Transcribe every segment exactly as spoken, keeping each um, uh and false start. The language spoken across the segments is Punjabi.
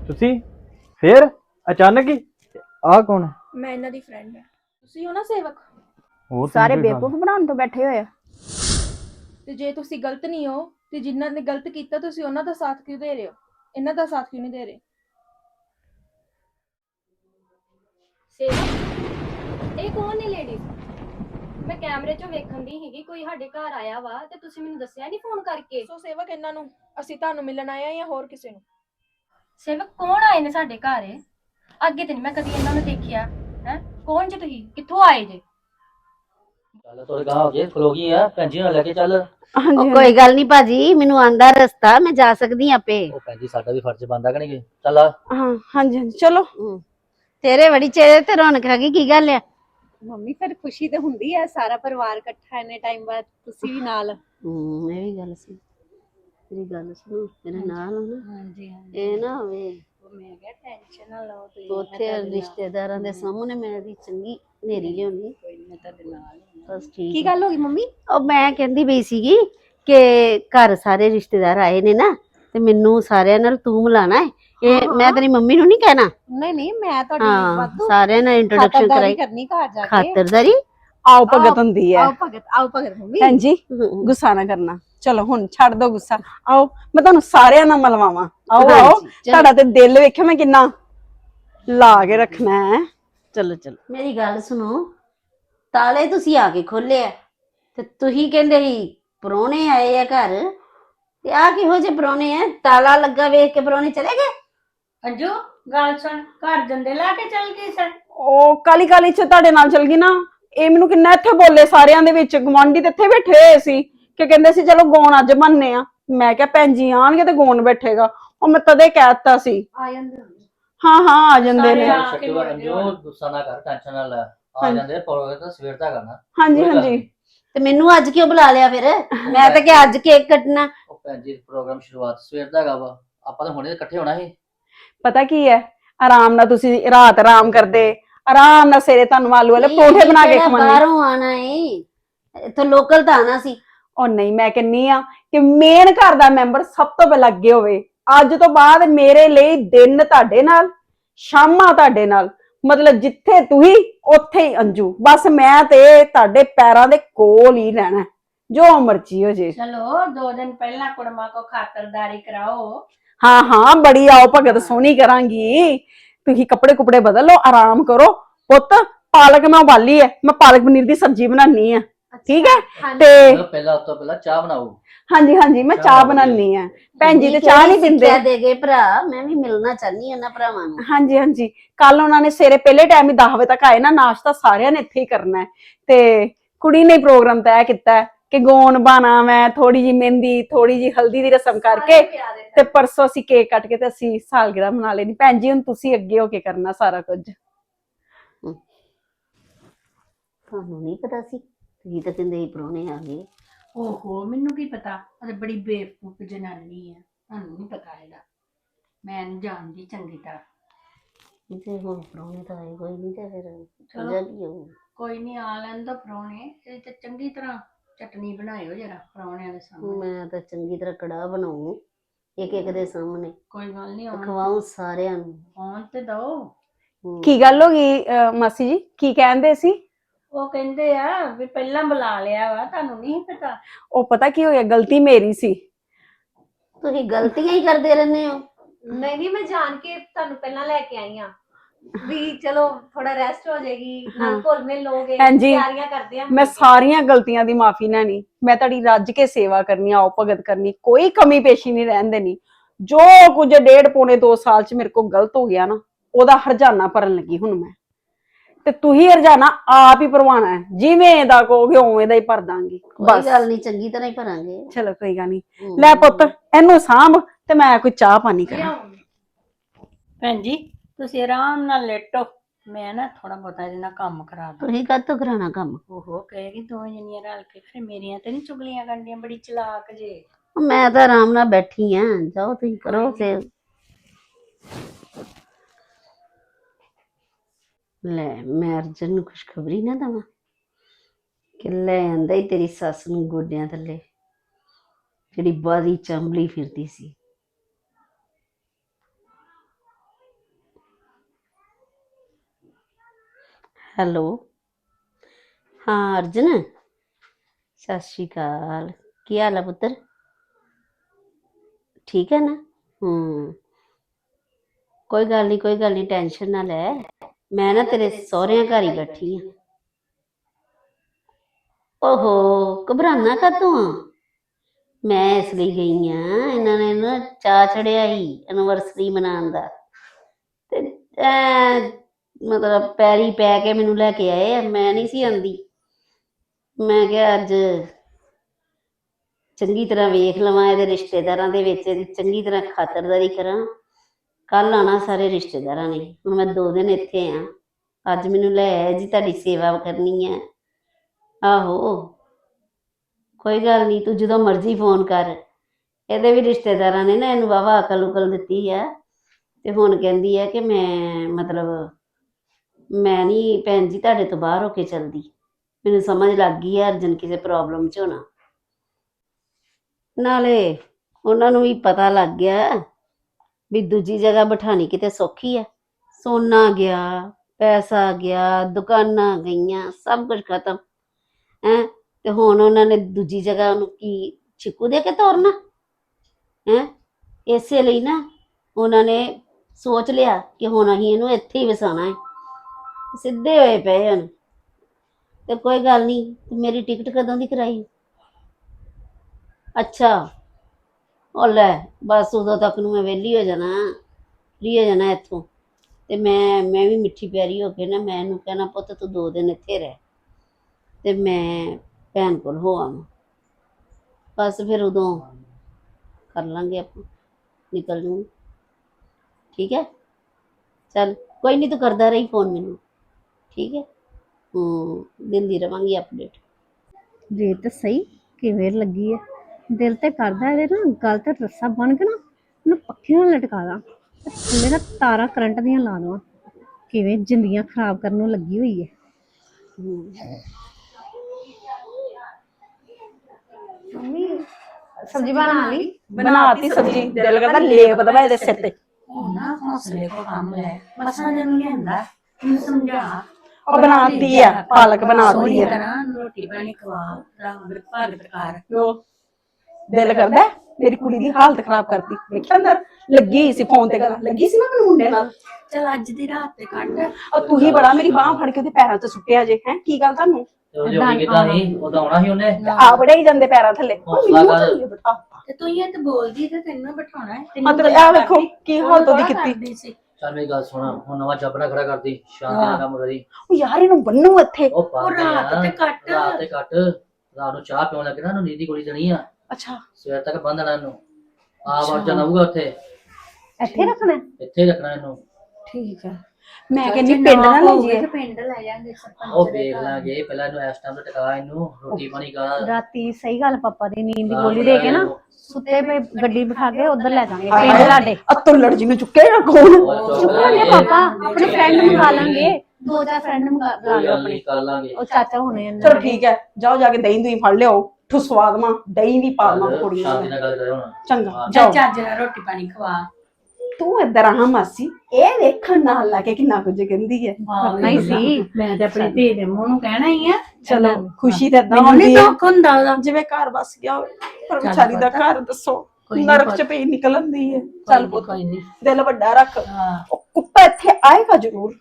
ਤੁਸੀਂ ਫੇਰ ਅਚਾਨਕ ਹੀ ਆਹ ਕੌਣ ਹੈ? ਮੈਂ ਇਹਨਾਂ ਦੀ ਫਰੈਂਡ ਹਾਂ। ਤੁਸੀਂ ਹੋ ਨਾ ਸੇਵਕ? ਹੋਰ ਤੁਸੀਂ ਸਾਰੇ ਕੋਈ ਗੱਲ- ਬੇਵਕੂਫ ਬਣਾਉਣ ਤੋਂ ਬੈਠੇ ਹੋਏ ਆ। ਤੇ ਜੇ ਤੁਸੀਂ ਗਲਤ ਨਹੀਂ ਹੋ ਤੇ ਜਿਨ੍ਹਾਂ ਨੇ ਗਲਤ ਕੀਤਾ ਤੁਸੀਂ ਉਹਨਾਂ ਦਾ ਸਾਥ ਕਿਉਂ ਦੇ ਰਹੇ ਹੋ? ਇਹਨਾਂ ਦਾ ਸਾਥ ਕਿਉਂ ਨਹੀਂ ਦੇ ਰਹੇ? ਸੇਵਕ ਇਹ ਕੌਣ ਨੇ ਲੇਡੀਜ਼? ਮੈਂ ਕੈਮਰੇ 'ਚੋਂ ਵੇਖਣ ਦੀ ਸੀਗੀ ਕੋਈ ਸਾਡੇ ਘਰ ਆਇਆ ਵਾ ਤੇ ਤੁਸੀਂ ਮੈਨੂੰ ਦੱਸਿਆ ਨਹੀਂ ਫੋਨ ਕਰਕੇ। ਸੋ ਸੇਵਕ ਇਹਨਾਂ ਨੂੰ ਅਸੀਂ ਤੁਹਾਨੂੰ ਮਿਲਣ ਆਏ ਆ ਜਾਂ ਹੋਰ ਕਿਸੇ ਨੂੰ? ਸੇਵਕ ਕੌਣ ਆਏ ਨੇ ਸਾਡੇ ਘਰ? ਇਹ ਅੱਗੇ ਤੇ ਨਹੀਂ ਮੈਂ ਕਦੀ ਇਹਨਾਂ ਨੂੰ ਦੇਖਿਆ ਹੈ। ਕੌਣ ਜੇ ਤੁਸੀਂ? ਕਿੱਥੋਂ ਆਏ ਜੇ? ਚੱਲ ਥੋੜੇ ਗਾਹ ਹੋ ਗਏ ਖਲੋ ਗਈ ਆ ਭੈਣ ਜੀ ਨਾਲ ਲੈ ਕੇ ਚੱਲ। ਹਾਂਜੀ ਕੋਈ ਗੱਲ ਨਹੀਂ ਭਾਜੀ, ਮੈਨੂੰ ਆਂਦਾ ਰਸਤਾ, ਮੈਂ ਜਾ ਸਕਦੀ ਆਂ ਆਪੇ। ਉਹ ਭੈਣ ਜੀ ਸਾਡਾ ਵੀ ਫਰਜ਼ ਬਣਦਾ ਕਿ ਨਹੀਂ? ਚੱਲ ਆ। ਹਾਂ ਹਾਂਜੀ ਹਾਂਜੀ ਚਲੋ। ਤੇਰੇ ਬੜੀ ਚਿਹਰੇ ਤੇ ਰੌਣਕ ਹੈਗੀ, ਕੀ ਗੱਲ ਆ? ਮੰਮੀ ਫਿਰ ਖੁਸ਼ੀ ਤੇ ਹੁੰਦੀ ਹੈ, ਸਾਰਾ ਪਰਿਵਾਰ ਇਕੱਠਾ ਇੰਨੇ ਟਾਈਮ ਬਾਅਦ, ਤੁਸੀਂ ਵੀ ਨਾਲ। ਹੂੰ ਇਹ ਵੀ ਗੱਲ ਸੀ। ਤੇਰੀ ਗੱਲ ਸੁਣੋ, ਮੇਰੇ ਨਾਲ ਹੋ ਨਾ। ਹਾਂਜੀ ਹਾਂਜੀ। ਇਹ ਨਾ ਹੋਵੇ ਮੈਂ ਕਿਹਾ ਟੈਨਸ਼ਨ ਨਾ ਲਓ ਤੁਸੀਂ, ਉੱਥੇ ਰਿਸ਼ਤੇਦਾਰਾਂ ਦੇ ਸਾਹਮਣੇ ਮੈਂ ਇਹਦੀ ਚੰਗੀ ਨੇਰੀ ਲਿਆਉਣੀ। ਕੋਈ ਨਹੀਂ, ਮੈਂ ਤੁਹਾਡੇ ਨਾਲ ਹੀ ਹਾਂ। ਬਸ ਠੀਕ ਕੀ ਗੱਲ ਹੋ ਗਈ ਮੰਮੀ? ਉਹ ਮੈਂ ਕਹਿੰਦੀ ਪਈ ਸੀਗੀ ਕਿ ਘਰ ਸਾਰੇ ਰਿਸ਼ਤੇਦਾਰ ਆਏ ਨੇ ਨਾ, ਤੇ ਮੈਨੂੰ ਸਾਰਿਆਂ ਨਾਲ ਤੂੰ ਮਿਲਾਣਾ ਹੈ। ਇਹ ਮੈਂ ਤੇਰੀ ਮੰਮੀ ਨੂੰ ਨਹੀਂ ਕਹਿਣਾ। ਨਹੀਂ ਨਹੀਂ, ਮੈਂ ਤੁਹਾਡੀ ਹਾਂ ਵਾਧੂ ਸਾਰਿਆਂ ਨਾਲ ਇੰਟਰੋਡਕਸ਼ਨ ਖਾਤਰਦਾਰੀ ਕਰਾਈ। ਕਰਨੀ ਘਰ ਜਾ ਕੇ। ਖਾਤਰਦਾਰੀ ਆਓ ਭਗਤ ਹੁੰਦੀ ਹੈ। ਆਓ ਭਗਤ, ਆਓ ਭਗਤ ਮੰਮੀ। ਹਾਂਜੀ ਗੁੱਸਾ ਨਾ ਕਰਨਾ। ਚਲੋ ਹੁਣ ਛੱਡ ਦੋ ਗੁੱਸਾ। ਆਓ ਮੈਂ ਤੁਹਾਨੂੰ ਸਾਰਿਆਂ ਨਾਲ ਮਿਲਵਾਵਾਂ। ਆਓ ਆਓ, ਹਾਂਜੀ, ਚਲੋ। ਤੁਹਾਡਾ ਤੇ ਦਿਲ ਵੇਖਿਓ ਮੈਂ ਕਿੰਨਾ ਲਾ ਕੇ ਰੱਖਣਾ ਹੈ। ਚਲੋ ਚਲੋ। ਮੇਰੀ ਗੱਲ ਸੁਣੋ, ਤਾਲੇ ਤੁਸੀਂ ਆ ਕੇ ਖੋਲੇ ਆ ਤੇ ਤੁਸੀਂ ਕਹਿੰਦੇ ਸੀ ਪ੍ਰਾਹੁਣੇ ਆਏ ਆ ਘਰ, ਤੇ ਆ ਕਿਹੋ ਜਿਹੇ ਪ੍ਰਾਹੁਣੇ ਆ? ਤਾਲਾ ਲੱਗਾ ਵੇਖ ਕੇ ਪ੍ਰਾਹੁਣੇ ਚਲੇ ਗਏ? ਅੰਜੂ ਗੱਲ ਸੁਣ, ਘਰ ਜੰਦੇ ਲਾ ਕੇ ਚੱਲ ਗਈ ਸਨ। ਉਹ ਕਾਲੀ ਕਾਲੀ ਚ ਤੁਹਾਡੇ ਨਾਲ ਚਲ ਗਈ ਨਾ। ਇਹ ਮੈਨੂੰ ਕਿੰਨਾ ਇੱਥੇ ਬੋਲੇ ਸਾਰਿਆਂ ਦੇ ਵਿੱਚ। ਗਵਾਂਢੀ ਤੇ ਇੱਥੇ ਬੈਠੇ ਹੋਏ ਸੀ ਕਿ ਕਹਿੰਦੇ ਸੀ ਚਲੋ ਗੌਣ ਅੱਜ ਬਣਨੇ ਆ। ਮੈਂ ਕਿਹਾ ਭੈਣ ਜੀ ਆਣਗੇ ਤੇ ਗੌਣ ਬੈਠੇਗਾ। ਉਹ ਮੈਂ ਤਦੇ ਕਹਿਤਾ ਸੀ। ਆ ਜਾਂਦੇ ਹਾਂ ਹਾਂ ਆ ਜਾਂਦੇ ਨੇ। ਸਾਰੇ ਆ ਕੇ ਛੱਡੋ ਮੁੜ ਅੰਜੂ, ਜਾਓ। ਗੁੱਸਾ ਨਾ ਕਰ, ਟੈਨਸ਼ਨ ਨਾ ਲੈ। ਆ ਹਾਂਜੀ। ਜਾਂਦੇ ਪ੍ਰੋਗਰਾਮ ਤਾਂ ਸਵੇਰ ਦਾ ਕਰਨਾ। ਹਾਂਜੀ ਕੋਈ ਗੱਲ ਹਾਂਜੀ ਨੀ। ਤੇ ਮੈਨੂੰ ਅੱਜ ਕਿਉਂ ਬੁਲਾ ਲਿਆ ਫਿਰ? ਮੈਂ ਤਾਂ ਕਿ ਅੱਜ ਕੇਕ ਕੱਟਣਾ। ਉਹ ਭੈਣ ਜੀ ਪ੍ਰੋਗਰਾਮ ਸ਼ੁਰੂਆਤ ਸਵੇਰ ਦਾ ਹੈਗਾ ਵਾ, ਆਪਾਂ ਤਾਂ ਹੁਣੇ ਇਕੱਠੇ ਹੋਣਾ ਸੀ। ਪਤਾ ਕੀ ਹੈ, ਆਰਾਮ ਨਾਲ ਤੁਸੀਂ ਰਾਤ ਆਰਾਮ ਕਰਦੇ, ਆਰਾਮ ਨਾਲ ਸਵੇਰੇ ਤੁਹਾਨੂੰ ਆਲੂ ਵਾਲੇ ਨਹੀਂ, ਪਰੌਂਠੇ ਬਣਾ ਕੇ ਕਿਹੜਾ ਖਵਾਉਣੇ। ਬਾਹਰੋਂ ਆਣਾ ਏ, ਇੱਥੋਂ ਲੋਕਲ ਤਾਂ ਆਣਾ ਸੀ। ਉਹ ਨਹੀਂ, ਮੈਂ ਕਹਿੰਨੀ ਆ ਕਿ ਮੇਨ ਘਰ ਦਾ ਮੈਂਬਰ ਸਭ ਤੋਂ ਪਹਿਲਾਂ ਅੱਗੇ ਹੋਵੇ। ਅੱਜ ਤੋਂ ਬਾਅਦ ਮੇਰੇ ਲਈ ਦਿਨ ਤੁਹਾਡੇ ਨਾਲ, ਸ਼ਾਮਾਂ ਤੁਹਾਡੇ ਨਾਲ, ਮਤਲਬ ਜਿੱਥੇ ਤੁਸੀਂ ਉੱਥੇ ਹੀ ਅੰਜੂ। ਬਸ ਮੈਂ ਤੇ ਤੁਹਾਡੇ ਪੈਰਾਂ ਦੇ ਕੋਲ ਹੀ ਰਹਿਣਾ, ਜੋ ਮਰਜ਼ੀ ਹੋ ਜੇ। ਚਲੋ ਦੋ ਦਿਨ ਪਹਿਲਾਂ ਕੁੜਮਾ ਕੋ ਖਾਤਰਦਾਰੀ ਕਰਾਓ। ਹਾਂ ਹਾਂ ਬੜੀ ਆਓ ਭਗਤ ਸੋਹਣੀ ਕਰਾਂਗੀ। ਤੁਸੀਂ ਕੱਪੜੇ ਕੁਪੜੇ ਬਦਲ ਲਓ, ਆਰਾਮ ਕਰੋ। ਪੁੱਤ ਪਾਲਕ ਮੈਂ ਉਬਾਲੀ ਹੈ, ਮੈਂ ਪਾਲਕ ਪਨੀਰ ਦੀ ਸਬਜ਼ੀ ਬਣਾਉਣੀ ਹੈ। ਠੀਕ ਹੈ ਤੇ ਚਲੋ ਪਹਿਲਾਂ ਉਸ ਤੋਂ ਪਹਿਲਾਂ ਚਾਹ ਬਣਾਓ। ਹਾਂਜੀ ਹਾਂਜੀ ਮੈਂ ਚਾਹ ਚਾਹ ਬਣਾਓ ਜੀ। ਬਣਾਉਣੀ ਹੈ। ਭੈਣ ਜੀ ਤੇ ਕਿਹੜੀ ਚਾਹ ਨਹੀਂ ਪੀਂਦੇ। ਸਿੱਖਿਆ ਦੇ ਗਏ ਭਰਾ, ਮੈਂ ਵੀ ਮਿਲਣਾ ਚਾਹਨੀ ਉਹਨਾਂ ਭਰਾਵਾਂ ਨੂੰ। ਹਾਂਜੀ ਹਾਂਜੀ ਕੱਲ ਉਹਨਾਂ ਨੇ ਸਵੇਰੇ ਪਹਿਲੇ ਟਾਈਮ ਹੀ ਦਸ ਵਜੇ ਤੱਕ ਆਏ ਨਾ। ਨਾਸ਼ਤਾ ਸਾਰਿਆਂ ਨੇ ਇੱਥੇ ਹੀ ਕਰਨਾ ਹੈ। ਤੇ ਕੁੜੀ ਨੇ ਪ੍ਰੋਗਰਾਮ ਤੈਅ ਕੀਤਾ ਹੈ ਕਿ ਗੌਣ ਬਾਣਾ, ਮੈਂ ਥੋੜੀ ਜੀ ਮਹਿੰਦੀ, ਥੋੜੀ ਜੀ ਹਲਦੀ ਦੀ ਰਸਮ ਕਰਕੇ ਤੇ ਪਰਸੋਂ ਅਸੀਂ ਕੇਕ ਕੱਟ ਕੇ ਤੇ ਅਸੀਂ ਸਾਲਗਿਰਾ ਮਨਾ ਲੈਣੀ। ਭੈਣ ਜੀ ਹੁਣ ਤੁਸੀਂ ਅੱਗੇ ਹੋ ਕੇ ਕਰਨਾ ਸਾਰਾ ਕੁਝ। ਤੁਹਾਨੂੰ ਨਹੀਂ ਪਤਾ ਸੀ? ਤੁਸੀਂ ਤਾਂ ਕਹਿੰਦੇ ਸੀ ਪ੍ਰਾਹੁਣੇ ਆ ਗਏ। ਓਹੋ ਮੈਨੂੰ ਕੀ ਪਤਾ, ਉਹ ਬੜੀ ਬੇਵਕੂਫ ਜਨਾਨੀ ਆ, ਤੁਹਾਨੂੰ ਨਹੀਂ ਪਤਾ ਇਹਦਾ। ਮੈਂ ਨੀ ਜਾਣਦੀ ਚੰਗੀ ਤਰ੍ਹਾਂ। ਕਿਤੇ ਹੁਣ ਪ੍ਰਾਹੁਣੇ ਤਾਂ ਆਏ ਕੋਈ ਨਹੀਂ, ਤੇ ਫਿਰ ਚਲੋ। ਚੱਲ ਕੀ ਹੋਊ। ਕੋਈ ਨਹੀਂ ਆ ਲੈਣ ਦੋ ਪ੍ਰਾਹੁਣੇ, ਇਹ ਤੇ ਚੰਗੀ ਤਰ੍ਹਾਂ ਚਟਨੀ ਬਣਾਇਓ ਜਰਾ ਪ੍ਰਾਹੁਣਿਆਂ ਦੇ ਸਾਹਮਣੇ। ਮੈਂ ਤਾਂ ਚੰਗੀ ਤਰ੍ਹਾਂ ਕੜਾਹ ਬਣਾਉ ਇੱਕ ਇੱਕ ਦੇ ਸਾਹਮਣੇ, ਕੋਈ ਗੱਲ ਨਹੀਂ, ਖਵਾਉ ਸਾਰਿਆਂ ਨੂੰ। ਆਉਣ ਤੇ ਦੋ। ਹੂੰ। ਕੀ ਗੱਲ ਹੋ ਗਈ ਅਹ ਮਾਸੀ ਜੀ, ਕੀ ਕਹਿੰਦੇ ਸੀ? ਉਹ ਕਹਿੰਦੇ ਆ ਵੀ ਪਹਿਲਾਂ ਬੁਲਾ ਲਿਆ ਵਾ, ਤੁਹਾਨੂੰ ਨਹੀਂ ਪਤਾ। ਉਹ ਪਤਾ ਕੀ ਹੋਇਆ, ਗਲਤੀ ਮੇਰੀ ਸੀ। ਤੁਸੀਂ ਗਲਤੀਆਂ ਹੀ ਕਰਦੇ ਰਹਿੰਦੇ ਹੋ। ਨਹੀਂ ਨਹੀਂ, ਮੈਂ ਜਾਣ ਕੇ ਤੁਹਾਨੂੰ ਪਹਿਲਾਂ ਲੈ ਕੇ ਆਈ ਆ ਵੀ ਚਲੋ ਥੋੜਾ ਰੈਸਟ ਹੋ ਜਾਏਗੀ, ਨਾਲ ਘੁਲ ਮਿਲ ਲੋਗੇ, ਹਾਂਜੀ। ਤਿਆਰੀਆਂ ਕਰਦੇ ਆ। ਮੈਂ ਸਾਰੀਆਂ ਗਲਤੀਆਂ ਦੀ ਮਾਫੀ ਲੈਣੀ। ਮੈਂ ਤੁਹਾਡੀ ਰੱਜ ਕੇ ਸੇਵਾ ਕਰਨੀ, ਆਓ ਭਗਤ ਕਰਨੀ, ਕੋਈ ਕਮੀ ਪੇਸ਼ੀ ਨਹੀਂ ਰਹਿਣ ਦੇਣੀ। ਜੋ ਕੁਝ ਡੇਢ ਪੌਣੇ ਦੋ ਸਾਲ ਚ ਮੇਰੇ ਕੋਲ ਗਲਤ ਹੋ ਗਿਆ ਨਾ, ਉਹਦਾ ਹਰਜਾਨਾ ਭਰਨ ਲੱਗੀ ਹੁਣ ਮੈਂ। ਤੇ ਤੁਸੀਂ ਹਰਜਾਨਾ ਆਪ ਹੀ ਭਰਵਾਣਾ ਹੈ, ਜਿਵੇਂ ਦਾ ਕਹੋਗੇ ਉਵੇਂ ਦਾ ਹੀ ਭਰ ਦਾਂਗੀ। ਕੋਈ ਬਸ ਗੱਲ ਨਹੀਂ, ਚੰਗੀ ਤਰ੍ਹਾਂ ਹੀ ਭਰਾਂਗੇ। ਚਲੋ ਕੋਈ ਗੱਲ ਨਹੀਂ। ਹੂੰ। ਲੈ ਪੁੱਤ ਇਹਨੂੰ ਸਾਂਭ ਤੇ ਮੈਂ ਕੋਈ ਚਾਹ ਪਾਣੀ ਕਰਾਂ। ਭੈਣ ਜੀ ਤੁਸੀਂ ਆਰਾਮ ਨਾਲ ਲੇਟੋ, ਮੈਂ ਨਾ ਥੋੜਾ ਬਹੁਤਾ ਇਹਦੇ ਨਾਲ ਕੰਮ ਕਰਾ ਦਾਂ। ਤੁਸੀਂ ਕਾਹਤੋਂ ਕਰਾਉਣਾ ਕੰਮ? ਓਹੋ ਕਹੇਗੀ ਦੋ ਜਣੀਆਂ ਰਲ ਕੇ, ਫਿਰ ਮੇਰੀਆਂ ਤੇ ਨਹੀਂ ਚੁਗਲੀਆਂ ਕਰਨੀਆਂ, ਬੜੀ ਚਲਾਕ ਜੇ। ਮੈਂ ਤਾਂ ਆਰਾਮ ਨਾਲ ਬੈਠੀ ਆ, ਜਾਓ ਤੁਸੀਂ ਕਰੋ ਫਿਰ। ਲੈ ਮੈਂ ਅਰਜਨ ਨੂੰ ਖੁਸ਼ਖਬਰੀ ਨਾ ਦਵਾਂ ਕਿ ਲੈ ਆਂਦਾ ਹੀ ਤੇਰੀ ਸੱਸ ਨੂੰ ਗੋਡਿਆਂ ਥੱਲੇ, ਜਿਹੜੀ ਬਾਦੀ ਚੰਬਲੀ ਫਿਰਦੀ ਸੀ। ਹੈਲੋ, ਹਾਂ ਅਰਜਨ, ਸਤਿ ਸ਼੍ਰੀ ਅਕਾਲ। ਕੀ ਹਾਲ ਆ ਪੁੱਤਰ? ਠੀਕ ਹੈ ਨਾ? ਹੂੰ, ਕੋਈ ਗੱਲ ਨਹੀਂ, ਕੋਈ ਗੱਲ ਨਹੀਂ, ਟੈਨਸ਼ਨ ਨਾ ਲੈ। ਮੈਂ ਨਾ ਤੇਰੇ ਸਹੁਰਿਆਂ ਘਰ ਹੀ ਬੈਠੀ ਆ। ਓਹੋ, ਘਬਰਾਨਾ ਕਾਤੋਂ ਆ? ਮੈਂ ਇਸ ਲਈ ਗਈ ਆ, ਇਹਨਾਂ ਨੇ ਨਾ ਚਾਅ ਚੜਿਆ ਹੀ ਐਨਵਰਸਰੀ ਮਨਾਉਣ ਦਾ, ਤੇ ਐ ਮਤਲਬ ਪੈਰੀ ਪੈ ਕੇ ਮੈਨੂੰ ਲੈ ਕੇ ਆਏ ਆ। ਮੈਂ ਨਹੀਂ ਸੀ ਆਂਦੀ। ਮੈਂ ਕਿਹਾ ਅੱਜ ਚੰਗੀ ਤਰ੍ਹਾਂ ਵੇਖ ਲਵਾਂ ਇਹਦੇ ਰਿਸ਼ਤੇਦਾਰਾਂ ਦੇ ਵਿੱਚ, ਇਹਦੀ ਚੰਗੀ ਤਰ੍ਹਾਂ ਖਾਤਰਦਾਰੀ ਕਰਾਂ। ਕੱਲ ਆਣਾ ਸਾਰੇ ਰਿਸ਼ਤੇਦਾਰਾਂ ਨੇ। ਹੁਣ ਮੈਂ ਦੋ ਦਿਨ ਇੱਥੇ ਆ, ਅੱਜ ਮੈਨੂੰ ਲੈ ਆਏ ਜੀ, ਤੁਹਾਡੀ ਸੇਵਾ ਕਰਨੀ ਹੈ। ਆਹੋ, ਕੋਈ ਗੱਲ ਨਹੀਂ, ਤੂੰ ਜਦੋਂ ਮਰਜ਼ੀ ਫੋਨ ਕਰ। ਇਹਦੇ ਵੀ ਰਿਸ਼ਤੇਦਾਰਾਂ ਨੇ ਨਾ ਇਹਨੂੰ ਵਾਹਵਾ ਅਕਲ ਉਕਲ ਦਿੱਤੀ ਆ, ਤੇ ਹੁਣ ਕਹਿੰਦੀ ਹੈ ਕਿ ਮੈਂ ਮਤਲਬ ਮੈਂ ਨਹੀਂ ਭੈਣ ਜੀ ਤੁਹਾਡੇ ਤੋਂ ਬਾਹਰ ਹੋ ਕੇ ਚਲਦੀ। ਮੈਨੂੰ ਸਮਝ ਲੱਗ ਗਈ ਹੈ ਅਰਜਨ ਕਿਸੇ ਪ੍ਰੋਬਲਮ 'ਚ ਹੋਣਾ। ਨਾਲੇ ਉਹਨਾਂ ਨੂੰ ਵੀ ਪਤਾ ਲੱਗ ਗਿਆ ਵੀ ਦੂਜੀ ਜਗ੍ਹਾ ਬਿਠਾਣੀ ਕਿਤੇ ਸੌਖੀ ਹੈ। ਸੋਨਾ ਗਿਆ, ਪੈਸਾ ਗਿਆ, ਦੁਕਾਨਾਂ ਗਈਆਂ, ਸਭ ਕੁਝ ਖਤਮ ਹੈ। ਤੇ ਹੁਣ ਉਹਨਾਂ ਨੇ ਦੂਜੀ ਜਗ੍ਹਾ ਉਹਨੂੰ ਕੀ ਛਿੱਕੂ ਦੇ ਕੇ ਤੋਰਨਾ ਹੈ। ਇਸੇ ਲਈ ਨਾ ਉਹਨਾਂ ਨੇ ਸੋਚ ਲਿਆ ਕਿ ਹੁਣ ਅਸੀਂ ਇਹਨੂੰ ਇੱਥੇ ਹੀ ਵਸਾਉਣਾ ਹੈ। ਸਿੱਧੇ ਹੋਏ ਪਏ ਹਨ। ਤੇ ਕੋਈ ਗੱਲ ਨਹੀਂ, ਮੇਰੀ ਟਿਕਟ ਕਦੋਂ ਦੀ ਕਰਾਈ? ਅੱਛਾ, ਉਹ ਲੈ, ਬਸ ਉਦੋਂ ਤੱਕ ਨੂੰ ਮੈਂ ਵਿਹਲੀ ਹੋ ਜਾਣਾ, ਫਰੀ ਹੋ ਜਾਣਾ ਇੱਥੋਂ। ਤੇ ਮੈਂ ਮੈਂ ਵੀ ਮਿੱਠੀ ਪਿਆਰੀ ਹੋ ਕੇ ਨਾ ਮੈਂ ਇਹਨੂੰ ਕਹਿਣਾ, ਪੁੱਤ ਤੂੰ ਦੋ ਦਿਨ ਇੱਥੇ ਰਹਿ ਤੇ ਮੈਂ ਭੈਣ ਕੋਲ ਹੋ ਆਵਾਂ। ਬਸ ਫਿਰ ਉਦੋਂ ਕਰ ਲਾਂਗੇ, ਆਪਾਂ ਨਿਕਲ ਜੂ। ਠੀਕ ਹੈ, ਚੱਲ ਕੋਈ ਨਹੀਂ, ਤੂੰ ਕਰਦਾ ਰਹੀ ਫੋਨ ਮੈਨੂੰ, ਠੀਕ ਹੈ? ਹੂੰ, ਦਿੰਦੀ ਰਵਾਂਗੀ ਅਪਡੇਟ। ਵੇਖ ਤਾਂ ਸਹੀ ਕਿਵੇਂ ਲੱਗੀ ਹੈ। ਦਿਲ ਤੇ ਕਰਦਾ ਇਹਦੇ ਨਾ ਗੱਲ ਤੇ ਰੱਸਾ ਬਣ ਕੇ ਨਾ ਉਹਨੂੰ ਪੱਖੇ ਨਾਲ ਲਟਕਾ ਦਾਂ, ਥੱਲੇ ਨਾ ਤਾਰਾਂ ਕਰੰਟ ਦੀਆਂ ਲਾ ਦੇਵਾਂ। ਕਿਵੇਂ ਜ਼ਿੰਦਗੀਆਂ ਖਰਾਬ ਕਰਨ ਨੂੰ ਲੱਗੀ ਹੋਈ ਹੈ। ਮੰਮੀ ਸਬਜ਼ੀ ਬਣਾ ਲਈ? ਬਣਾਤੀ ਸਬਜ਼ੀ, ਦਿਲ ਕਰਦਾ ਲੇਪ ਦਵਾ ਇਹਦੇ ਸਿਰ ਤੇ। ਉਹ ਨਾ ਹੌਸਲੇ ਕੋ ਕੰਮ ਲੈ, ਮਸਾਂ ਜਨ ਲਿਆਂਦਾ, ਤੈਨੂੰ ਸਮਝਾ। ਉਹ ਬਣਾਤੀ ਆ, ਪਾਲਕ ਬਣਾਤੀ ਸੋਹਣੀ ਆ। ਤਰ੍ਹਾਂ ਰੋਟੀ ਪਾਣੀ ਖਵਾ, ਰੱਬ ਭਗਤ ਕਰ। ਉਹ ਦਿਲ ਕਰਦਾ ਮੇਰੀ ਕੁੜੀ ਦੀ ਹਾਲਤ ਖਰਾਬ ਕਰਤੀ। ਵੇਖਿਆ ਅੰਦਰ ਲੱਗੀ ਹੋਈ ਸੀ ਫੋਨ ਤੇ ਗੱਲ ਲੱਗੀ ਸੀ ਨਾ ਮੈਨੂੰ ਮੁੰਡੇ ਨਾਲ। ਚਲ ਅੱਜ ਦੀ ਰਾਤ ਤੇ ਕੱਢ। ਉਹ ਤੂੰ ਹੀ ਬੜਾ ਮੇਰੀ ਬਾਹ ਫੜ ਕੇ ਉਹਦੇ ਪੈਰਾਂ 'ਚ ਸੁੱਟਿਆ ਜੇ। ਹੈ ਕੀ ਗੱਲ ਤੁਹਾਨੂੰ? ਤੇ ਉਹ ਜੋਗੀ ਕਿਦਾਂ ਨਹੀਂ, ਉਦੋਂ ਆਉਣਾ ਸੀ ਉਹਨੇ। ਆ ਬੜੇ ਹੀ ਜਾਂਦੇ ਪੈਰਾਂ ਥੱਲੇ। ਉਹ ਹੌਸਲਾ ਮੈਨੂੰ ਕਰ। ਥੱਲੇ ਬਿਠਾ। ਤੇ ਤੂੰ ਇਹ ਤੇ ਬੋਲਦੀ ਤੇ ਤੈਨੂੰ ਬਿਠਾਉਣਾ ਹੈ। ਮਤਲਬ ਇਹ ਵੇਖੋ ਕੀ ਹਾਲਤ ਉਹਦੀ ਕੀਤੀ। ਸੀ। ਚੱਲ ਮੇਰੀ ਗੱਲ ਸੁਣਾ, ਹੁਣ ਨਵਾਂ ਜੱਬਣਾ ਖੜਾ ਕਰਦੀ, ਸ਼ਾਂਤੀ ਨਾਲ ਕੰਮ ਕਰੀ। ਉਹ ਯਾਰ ਇਹਨੂੰ ਬੰਨੋ ਇੱਥੇ। ਉਹ ਪਾ ਉਹ ਰਾਤ ਤੇ ਕੱਟ। ਰਾਤ ਤੇ ਕੱਟ, ਰਾਤ ਨੂੰ ਚਾਹ ਪਿਉਣ ਲੱਗੇ ਨਾ ਇਹਨੂੰ ਨੀਂਦ ਦੀ ਗੋਲੀ ਦੇਣੀ ਆ। ਅੱਛਾ, ਸਵੇਰ ਤੱਕ ਬੰਦ ਦੇਣਾ ਇਹਨੂੰ। ਆਪ ਵਰਜਨ ਆਊਗਾ ਉੱਥੇ, ਇੱਥੇ ਰੱਖਣਾ? ਇੱਥੇ ਹੀ ਰੱਖਣਾ ਇਹਨੂੰ। ਠੀਕ ਹੈ। ਮੈਂ ਕਹਿੰਦੀ ਪਿੰਡ ਨਾ ਲੈ ਜਾਈਏ। ਪਿੰਡ ਲੈ ਜਾਾਂਗੇ ਸਰਪੰਚ ਉਹ ਦੇ ਵੇਖ ਘਰ। ਲਾਂਗੇ, ਪਹਿਲਾਂ ਇਹਨੂੰ ਇਸ ਟਾਈਮ ਤੇ ਟਿਕਾ, ਇਹਨੂੰ ਰੋਟੀ ਪਾਣੀ ਕਰ। ਰਾਤੀ ਸਹੀ ਗੱਲ ਪਾਪਾ ਦੀ ਨੀਂਦ ਦੀ ਗੋਲੀ ਦੇ ਕੇ ਨਾ ਸੁੱਤੇ ਪਏ ਗੱਡੀ ਬਿਠਾ ਕੇ ਉਧਰ ਲੈ ਜਾਵਾਂਗੇ ਹਾਏ ਪਿੰਡ ਹਾਏ, ਸਾਡੇ। ਆ ਤੁੱਲੜ ਜੀ ਨੂੰ ਚੁੱਕੇਗਾ ਕੌਣ? ਚੁੱਕਾਂਗੇ ਪਾਪਾ, ਆਪਣੇ ਫਰੈਂਡ ਮੰਗਾ ਲਾਂਗੇ, ਦੋ ਚਾਰ ਫਰੈਂਡ ਮੰਗਾ ਲਾ ਕੋਈ ਲਓ ਗੱਲ ਆਪਣੇ। ਨਹੀਂ, ਕਰ ਲਾਂਗੇ। ਉਹ ਚਾਚਾ ਹੋਣੇ ਆ ਚਲੋ ਠੀਕ ਹੈ, ਜਾਓ ਜਾ ਕੇ ਦਹੀਂ ਦੂਈ ਫੜ ਲਿਓ, ਠੁਸਵਾ ਦੇਵਾਂ, ਦਹੀਂ ਵੀ ਪਾ ਦੇਵਾਂ ਕੁੜੀ ਸ਼ਾਂਤੀ ਨੂੰ। ਨਾਲ ਗੱਲ ਕਰਿਓ ਹੁਣ। ਚੰਗਾ ਚੱਲ ਜਾਓ। ਚੱਜ ਨਾਲ ਰੋਟੀ ਪਾਣੀ ਖਵਾ। ਤੂੰ ਇੱਧਰ ਆ ਮਾਸੀ, ਇਹ ਵੇਖਣ ਨਾਲ ਲਾ ਕੇ ਕਿੰਨਾ ਕੁਝ ਕਹਿੰਦੀ ਹੈ। ਨਹੀਂ ਸੀ। ਮੈਂ ਤੇ ਆਪਣੀ ਧੀ ਦੇ ਮੂੰਹ ਨੂੰ ਕਹਿਣਾ ਹੀ ਆ। ਚਲੋ ਖੁਸ਼ੀ ਤਾਂ ਏਦਾਂ ਮੈਨੂੰ ਹੁੰਦੀ ਨਹੀਂ ਹੈ ਦੁੱਖ ਹੁੰਦਾ ਉਹਦਾ। ਜਿਵੇਂ ਘਰ ਵਸ ਗਿਆ ਹੋਵੇ, ਪਰ ਵਿਚਾਰੀ ਦਾ ਘਰ ਦੱਸੋ ਕੋਈ ਨੀ ਨਰਕ ਚ ਪੁੱਤ। ਪਈ ਨਿਕਲਦੀ ਹੈ। ਚੱਲ ਪੁੱਤ, ਕੋਈ ਨਹੀਂ। ਦਿਲ ਵੱਡਾ ਰੱਖ। ਹਾਂ। ਉਹ ਕੁੱਤਾ ਇੱਥੇ ਆਏਗਾ ਜ਼ਰੂਰ,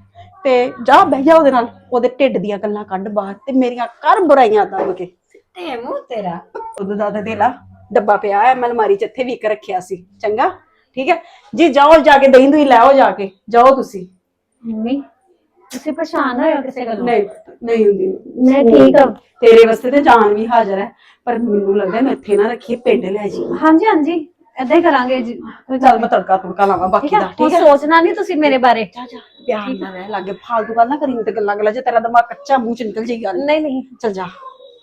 ਤੇ ਜਾ ਬਹਿ ਜਾ ਉਹਦੇ ਨਾਲ, ਉਹਦੇ ਢਿੱਡ ਦੀਆਂ ਗੱਲਾਂ ਕੱਢ ਬਾਹਰ, ਤੇ ਮੇਰੀਆਂ ਕਰ ਬੁਰਾਈਆਂ ਦੱਬ ਕੇ। ਤੇ ਮੂੰਹ ਤੇਰਾ। ਉਹਦਾ ਦਾਦਾ ਦੇ ਲਾ ਡੱਬਾ ਪਿਆ ਹੈ, ਮੈਂ ਅਲਮਾਰੀ ਚ ਇੱਥੇ ਵੀ ਇੱਕ ਰੱਖਿਆ ਸੀ। ਚੰਗਾ ਠੀਕ ਹੈ ਜੀ, ਜਾਓ ਜਾ ਕੇ ਦਹੀਂ ਦੂਈ ਲੈ ਆਓ, ਜਾ ਕੇ ਜਾਓ ਤੁਸੀਂ। ਮੰਮੀ ਤੁਸੀਂ ਪਰੇਸ਼ਾਨ ਹੋਏ ਹੋ ਕਿਸੇ ਗੱਲੋਂ? ਨਹੀਂ ਨਹੀਂ ਹੁੰਦੀ, ਮੈਂ ਠੀਕ ਹਾਂ। ਤੇਰੇ ਵਾਸਤੇ ਤੇ ਜਾਨ ਵੀ ਹਾਜ਼ਰ ਹੈ, ਪਰ ਮੈਨੂੰ ਲੱਗਦਾ ਮੈਂ ਇੱਥੇ ਨਾ ਰੱਖੀਏ, ਪਿੰਡ ਲੈ ਜੀ। ਹਾਂਜੀ ਹਾਂਜੀ ਏਦਾਂ ਹੀ ਕਰਾਂਗੇ ਜੀ। ਕੋਈ ਚੱਲ ਮੈਂ ਤੜਕਾ ਤੁੜਕਾ ਲਾਵਾਂ ਬਾਕੀ ਠੀਕ ਹੈ, ਦਾ। ਹੁਣ ਠੀਕ ਹੈ, ਸੋਚਣਾ ਨਹੀਂ ਤੁਸੀਂ ਮੇਰੇ ਬਾਰੇ। ਜਾ ਜਾ ਪਿਆਰ ਨਾਲ ਰਹਿ ਲਾਗੇ, ਫਾਲਤੂ ਗੱਲ ਨਾ ਕਰੀ ਤੇ ਗੱਲਾਂ ਗੱਲਾਂ ਚ ਤੇਰਾ ਦਿਮਾਗ ਕੱਚਾ ਮੂੰਹ ਚ ਨਿਕਲ ਜਾਈ ਗੱਲ। ਨਹੀਂ ਨਹੀਂ ਚੱਲ ਜਾ।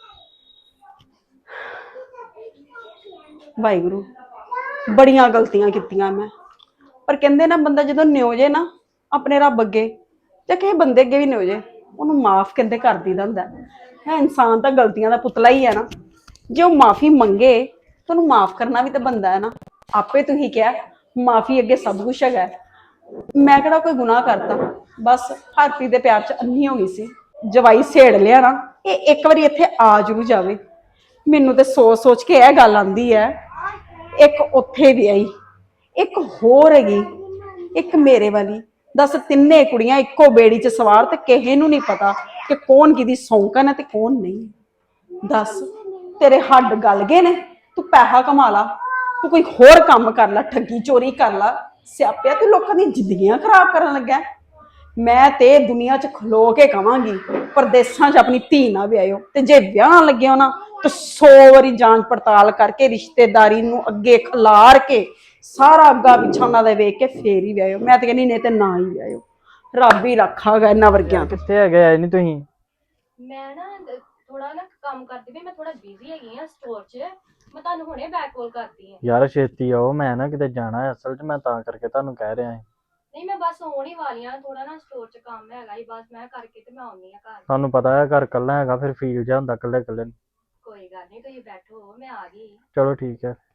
ਵਾਹਿਗੁਰੂ, ਬੜੀਆਂ ਗਲਤੀਆਂ ਕੀਤੀਆਂ ਮੈਂ, ਪਰ ਕਹਿੰਦੇ ਨਾ ਬੰਦਾ ਜਦੋਂ ਨਿਉ ਜੇ ਨਾ ਆਪਣੇ ਰੱਬ ਅੱਗੇ ਜਾਂ ਕਿਸੇ ਬੰਦੇ ਅੱਗੇ ਵੀ ਨਿਉ ਜੇ, ਉਹਨੂੰ ਮਾਫ ਕਹਿੰਦੇ ਕਰ ਦੀਦਾ ਹੁੰਦਾ ਹੈ। ਇਨਸਾਨ ਤਾਂ ਗਲਤੀਆਂ ਦਾ ਪੁਤਲਾ ਹੀ ਹੈ ਨਾ, ਜੇ ਉਹ ਮਾਫੀ ਮੰਗੇ ਤਾਂ ਉਹਨੂੰ ਮਾਫ ਕਰਨਾ ਵੀ ਤਾਂ ਬੰਦਾ ਹੈ ਨਾ। ਆਪੇ ਤੁਸੀਂ ਕਿਹਾ ਮਾਫੀ ਅੱਗੇ ਸਭ ਕੁਛ ਹੈਗਾ, ਮੈਂ ਕਿਹੜਾ ਕੋਈ ਗੁਨਾਹ ਕਰਤਾ, ਬਸ ਹਰਪ੍ਰੀਤ ਦੇ ਪਿਆਰ 'ਚ ਅੰਨੀ ਹੋ ਗਈ ਸੀ। ਜਵਾਈ ਛੇੜ ਲਿਆ ਨਾ, ਇਹ ਇੱਕ ਵਾਰੀ ਇੱਥੇ ਆ ਜ਼ਰੂਰ ਜਾਵੇ। ਮੈਨੂੰ ਤੇ ਸੋਚ ਸੋਚ ਕੇ ਇਹ ਗੱਲ ਆਂਦੀ ਹੈ, ਇੱਕ ਉੱਥੇ ਵੀ ਆਈ, ਇੱਕ ਹੋਰ ਹੈਗੀ, ਇੱਕ ਮੇਰੇ ਵਾਲੀ। ਦੱਸ ਤਿੰਨੇ ਕੁੜੀਆਂ ਇੱਕੋ ਬੇੜੀ 'ਚ ਸਵਾਰ, ਤੇ ਕਿਸੇ ਨੂੰ ਨਹੀਂ ਪਤਾ ਕਿ ਕੌਣ ਕਿਹਦੀ ਸੌਂਕਣ ਹੈ ਤੇ ਕੌਣ ਨਹੀਂ। ਦੱਸ ਤੇਰੇ ਹੱਡ ਗਲ ਗਏ ਨੇ, ਤੂੰ ਪੈਸਾ ਕਮਾ ਲਾ, ਤੂੰ ਕੋਈ ਹੋਰ ਕੰਮ ਕਰ ਲੈ, ਠੱਗੀ ਚੋਰੀ ਕਰ ਲਾ, ਸਿਆਪਿਆ ਤੂੰ ਲੋਕਾਂ ਦੀਆਂ ਜ਼ਿੰਦਗੀਆਂ ਖਰਾਬ ਕਰਨ ਲੱਗਾ। ਮੈਂ ਤੇ ਦੁਨੀਆ 'ਚ ਖਲੋ ਕੇ ਕਵਾਂਗੀ, ਪਰਦੇਸਾਂ 'ਚ ਆਪਣੀ ਧੀ ਨਾ ਵਿਆਹਿਓ, ਤੇ ਜੇ ਵਿਆਹਣ ਲੱਗੇ ਹੋ ਨਾ ਤਾਂ ਸੌ ਵਾਰੀ ਜਾਂਚ ਪੜਤਾਲ ਕਰਕੇ, ਰਿਸ਼ਤੇਦਾਰੀ ਨੂੰ ਅੱਗੇ ਖਿਲਾਰ ਕੇ, ਸਾਰਾ ਅੱਗਾ ਪਿੱਛਾ ਉਹਨਾਂ ਦਾ ਵੇਖ ਕੇ ਫੇਰ ਹੀ ਵਿਆਹਿਓ। ਮੈਂ ਤੇ ਕਹਿੰਦੀ ਨਹੀਂ ਤੇ ਨਾ ਹੀ ਵਿਆਹਿਓ, ਰੱਬ ਹੀ ਰੱਖਾਗਾ ਇਹਨਾਂ ਵਰਗਿਆਂ ਤੋਂ। ਕਿੱਥੇ ਹੈਗੇ ਆਏ ਨਹੀਂ ਤੁਸੀਂ? ਮੈਂ ਨਾ ਥੋੜਾ ਨਾ ਕੰਮ ਕਰਦੀ ਪਈ, ਮੈਂ ਥੋੜਾ ਬਿਜ਼ੀ ਹੈਗੀ ਆ ਸਟੋਰ 'ਚ। ਮੈਂ ਤੁਹਾਨੂੰ ਹੁਣੇ ਬੈਕ ਕਾਲ ਕਰਦੀ ਆ। ਯਾਰ ਛੇਤੀ ਆਓ, ਮੈਂ ਨਾ ਕਿਤੇ ਜਾਣਾ ਹੈ ਅਸਲ 'ਚ, ਮੈਂ ਤਾਂ ਕਰਕੇ ਤੁਹਾਨੂੰ ਕਹਿ ਰਿਹਾ ਹਾਂ। ਨਹੀਂ ਮੈਂ ਬਸ ਆਉਣ ਹੀ ਵਾਲੀ ਆ, ਥੋੜਾ ਨਾ ਸਟੋਰ 'ਚ ਕੰਮ ਹੈਗਾ ਹੀ, ਬਸ ਮੈਂ ਕਰਕੇ ਤੇ ਮੈਂ ਆਉਣੀ ਆ ਘਰ। ਤੁਹਾਨੂੰ ਪਤਾ ਹੈ ਘਰ ਇਕੱਲਾ ਹੈਗਾ, ਫਿਰ ਫੀਲ ਜਿਹਾ ਹੁੰਦਾ ਇਕੱਲੇ ਇਕੱਲੇ ਨੂੰ। ਕੋਈ ਗੱਲ ਨਹੀਂ, ਤੁਸੀਂ ਬੈਠੋ, ਮੈਂ ਆ ਗਈ। ਚਲੋ ਠੀਕ ਹੈ।